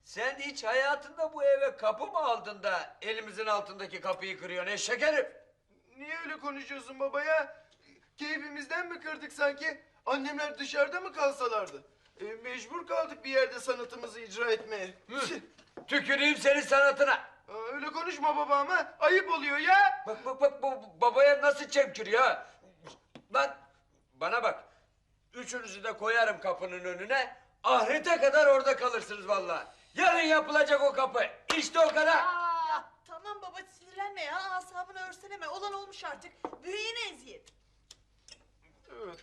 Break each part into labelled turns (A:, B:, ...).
A: Sen hiç hayatında bu eve kapı mı aldın da elimizin altındaki kapıyı kırıyorsun eşek herif?
B: Niye öyle konuşuyorsun baba ya? Keyfimizden mi kırdık sanki? Annemler dışarıda mı kalsalardı? Mecbur kaldık bir yerde sanatımızı icra etmeye.
A: Tüküreyim senin sanatına.
B: Öyle konuşma baba ama ayıp oluyor ya.
A: Bak bu babaya nasıl çemkiriyor ha? Lan bana bak. Üçünüzü de koyarım kapının önüne. Ahirete kadar orada kalırsınız vallahi. Yarın yapılacak o kapı. İşte o kadar.
C: Ya tamam baba sinirlenme ya. Asabını örseleme. Olan olmuş artık. Büyüğüne eziyet.
B: Evet.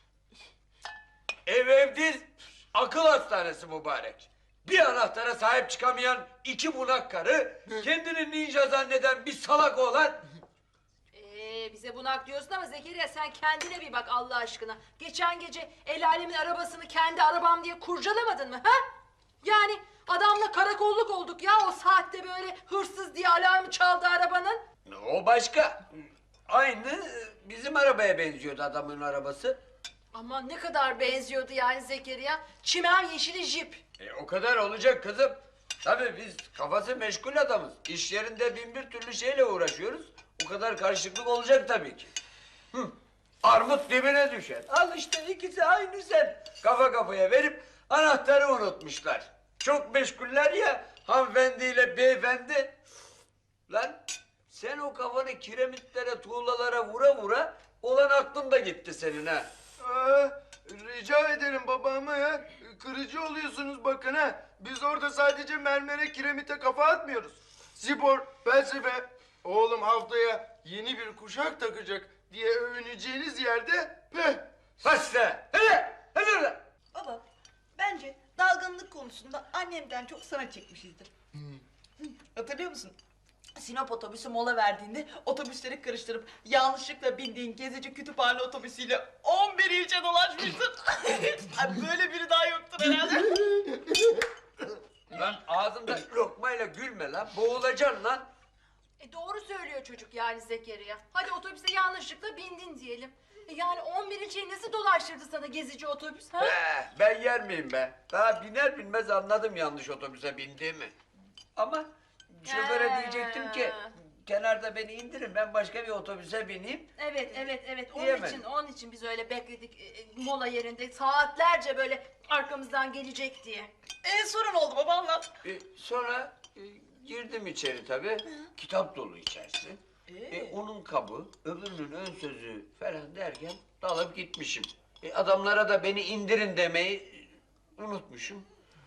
A: Ev değil, akıl hastanesi mübarek. Bir anahtara sahip çıkamayan iki bunak karı, kendini ninja zanneden bir salak oğlan.
D: Bize bunak diyorsun ama Zekeriya sen kendine bir bak Allah aşkına. Geçen gece el alemin arabasını kendi arabam diye kurcalamadın mı ha? Yani adamla karakolluk olduk ya o saatte böyle hırsız diye alarmı çaldı arabanın.
A: O başka. Aynı bizim arabaya benziyordu adamın arabası.
D: Aman ne kadar benziyordu yani Zekeriya. Çimen yeşili jip.
A: O kadar olacak kızım. Tabii biz kafası meşgul adamız. İş yerinde bin bir türlü şeyle uğraşıyoruz. O kadar karışıklık olacak tabii ki. Armut dibine düşer. Al işte ikisi aynı sen. Kafa kafaya verip anahtarı unutmuşlar. Çok meşguller ya hanımefendiyle beyefendi. Lan sen o kafanı kiremitlere, tuğlalara vura vura olan aklın da gitti senin ha.
B: Rica ederim babama ya. Kırıcı oluyorsunuz bakın ha. Biz orada sadece mermere, kiremite kafa atmıyoruz. Spor, felsefe. Oğlum haftaya yeni bir kuşak takacak diye övüneceğiniz yerde
A: Başla. Hadi oradan.
C: Baba bence dalgınlık konusunda annemden çok sana çekmişizdir. Hatırlıyor musun? Sinop otobüsü mola verdiğinde otobüsleri karıştırıp yanlışlıkla bindiğin gezici kütüphane otobüsüyle 11 ilçe dolaşmıştın. Ay, böyle biri daha yoktur herhalde.
A: Lan ağzında lokmayla gülme lan. Boğulacaksın lan.
D: Doğru söylüyor çocuk yani Zekeriya. Hadi otobüse yanlışlıkla bindin diyelim. Yani 11 ilçeyi nasıl dolaştırdı sana gezici otobüs ha?
A: Ben yer miyim be? Daha biner binmez anladım yanlış otobüse bindiğimi. Ama şoföre diyecektim ki kenarda beni indirin ben başka bir otobüse bineyim.
D: Evet.
A: Diyemedim.
D: Onun için biz öyle bekledik mola yerinde saatlerce böyle arkamızdan gelecek diye.
C: Sorun oldu baba anlat.
A: Sonra girdim içeri tabii. Kitap dolu içerisi. Onun kabı, öbürünün ön sözü falan derken dalıp gitmişim. Adamlara da beni indirin demeyi unutmuşum.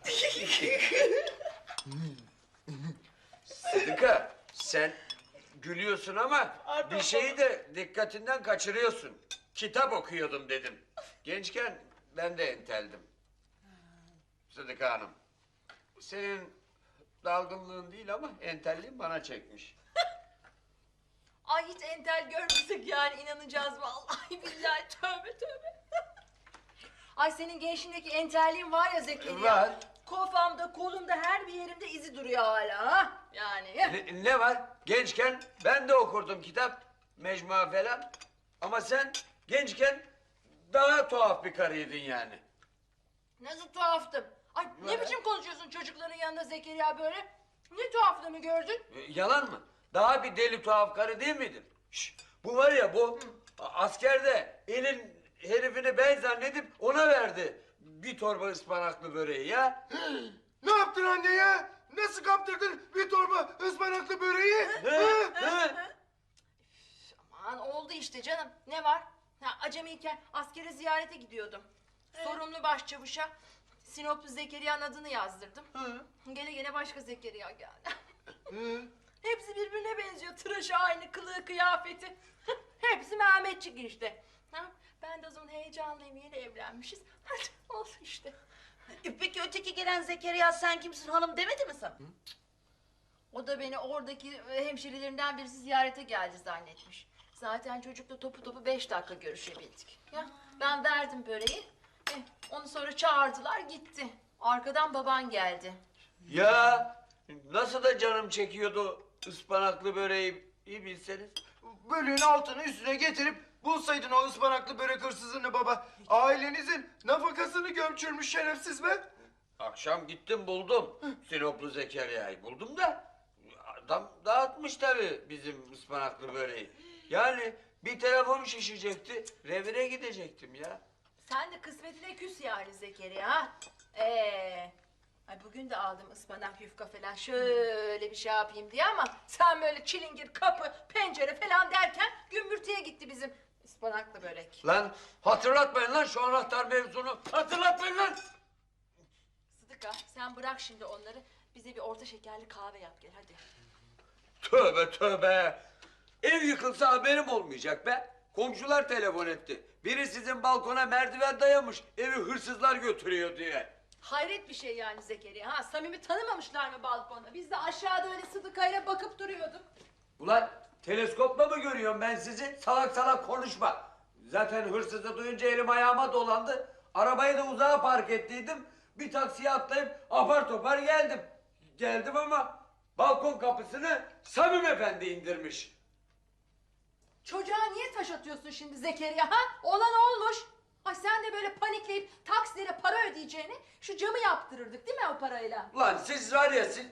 A: Sıdıka sen gülüyorsun ama bir şeyi de dikkatinden kaçırıyorsun. Kitap okuyordum dedim. Gençken ben de enteldim. Sıdıka Hanım. Senin dalgınlığın değil ama entelliğin bana çekmiş.
D: Ay hiç entel görmesek yani inanacağız vallahi billahi tövbe. Ay senin gençliğindeki entelliğin var ya Zekeriya.
A: Var.
D: Kafamda, kolumda, her bir yerimde izi duruyor hala ha. Yani.
A: Ne var? Gençken ben de okurdum kitap, mecmua falan. Ama sen gençken daha tuhaf bir karıydın yani.
D: Nasıl tuhaftım? Ay ne biçim konuşuyorsun çocukların yanında Zekeriya böyle? Ne tuhaflığımı gördün?
A: Yalan mı? Daha bir deli tuhaf karı değil miydin? Bu var ya bu askerde elin herifini ben zannedip ona verdi. Bir torba ıspanaklı böreği ya.
B: ne yaptın anne ya? Nasıl kaptırdın bir torba ıspanaklı böreği?
D: Aman oldu işte canım. Ne var? Acemiyken askere ziyarete gidiyordum. Sorumlu başçavuşa Sinoplu Zekeriya'nın adını yazdırdım. Gene başka Zekeriya geldi. Hepsi birbirine benziyor. Tıraşı aynı, kılığı, kıyafeti. Hepsi Mehmetçik işte. Ben de o zaman heyecanlıyım. Yeni evlenmişiz. Hadi olsun işte.
C: Peki öteki gelen Zekeriya sen kimsin hanım demedi mi sana?
D: O da beni oradaki hemşerilerinden birisi ziyarete geldi zannetmiş. Zaten çocukla topu 5 dakika görüşebildik. Ya, ben verdim böreği. Onu sonra çağırdılar gitti. Arkadan baban geldi.
A: Ya nasıl da canım çekiyordu ıspanaklı böreği iyi bilseniz.
B: Böreğin altını üstüne getirip bulsaydın o ıspanaklı börek hırsızını baba. Ailenizin nafakasını gömçürmüş şerefsiz be.
A: Akşam gittim buldum. Sinoplu Zekeriya'yı buldum da adam dağıtmış tabii bizim ıspanaklı böreği. Yani bir telefon şişecekti. Revire gidecektim ya.
D: Sen de kısmetine küs yani Zekeriya ha? Ay bugün de aldım ıspanak yufka falan şöyle bir şey yapayım diye ama sen böyle çilingir kapı pencere falan derken gümbürtüye gitti bizim ıspanaklı börek.
A: Lan hatırlatmayın lan şu anahtar mevzunu. Hatırlatmayın lan.
D: Sıdıka sen bırak şimdi onları bize bir orta şekerli kahve yap gel hadi.
A: Tövbe tövbe. Ev yıkılsa haberim olmayacak be. Komşular telefon etti. Biri sizin balkona merdiven dayamış. Evi hırsızlar götürüyor diye.
D: Hayret bir şey yani Zekeriya ha samimi tanımamışlar mı balkonda? Biz de aşağıda öyle Sıdıka'yla bakıp duruyorduk.
A: Ulan teleskopla mı görüyorum ben sizi? Salak salak konuşma. Zaten hırsızı duyunca elim ayağıma dolandı. Arabayı da uzağa park ettiydim. Bir taksiye atlayıp apar topar geldim. Geldim ama balkon kapısını Samim Efendi indirmiş.
D: Çocuğa niye taş atıyorsun şimdi Zekeriya ha? Olan olmuş. Ay sen de böyle panikleyip taksilere para ödeyeceğini şu camı yaptırırdık değil mi o parayla?
A: Ulan siz var ya siz...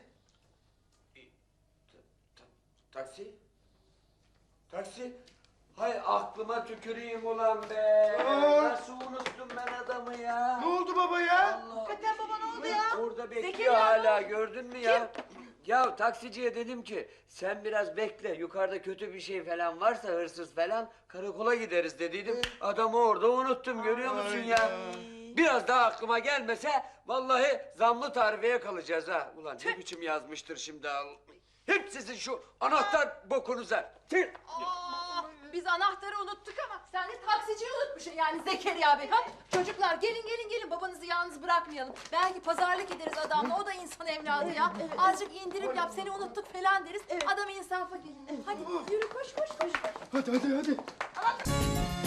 A: Taksi? Taksi? Hay aklıma tüküreyim ulan be. Nasıl unuttum ben adamı ya?
B: Ne oldu baba ya?
A: Allah.
C: Hakikaten baba ne oldu ya?
A: Orada bekliyor
D: Zekeriya
A: hala
D: mı?
A: gördün mü ya? Ya taksiciye dedim ki sen biraz bekle yukarıda kötü bir şey falan varsa hırsız falan karakola gideriz dediydim. Adamı orada unuttum görüyor musun ya? Biraz daha aklıma gelmese vallahi zamlı tarifeye kalacağız ha. Ulan ne biçim yazmıştır şimdi al. Hep sizin şu anahtar bokunuza. Tüh!
D: Biz anahtarı unuttuk ama sen de taksiciyi unutmuşsun yani Zekeriya Bey ha? Çocuklar gelin gelin gelin babanızı yalnız bırakmayalım. Belki pazarlık ederiz adamla o da insan evladı ya. Azıcık indirim yap seni unuttuk falan deriz. Adam insafa gelin. Hadi yürü koş koş koş.
B: Hadi hadi hadi.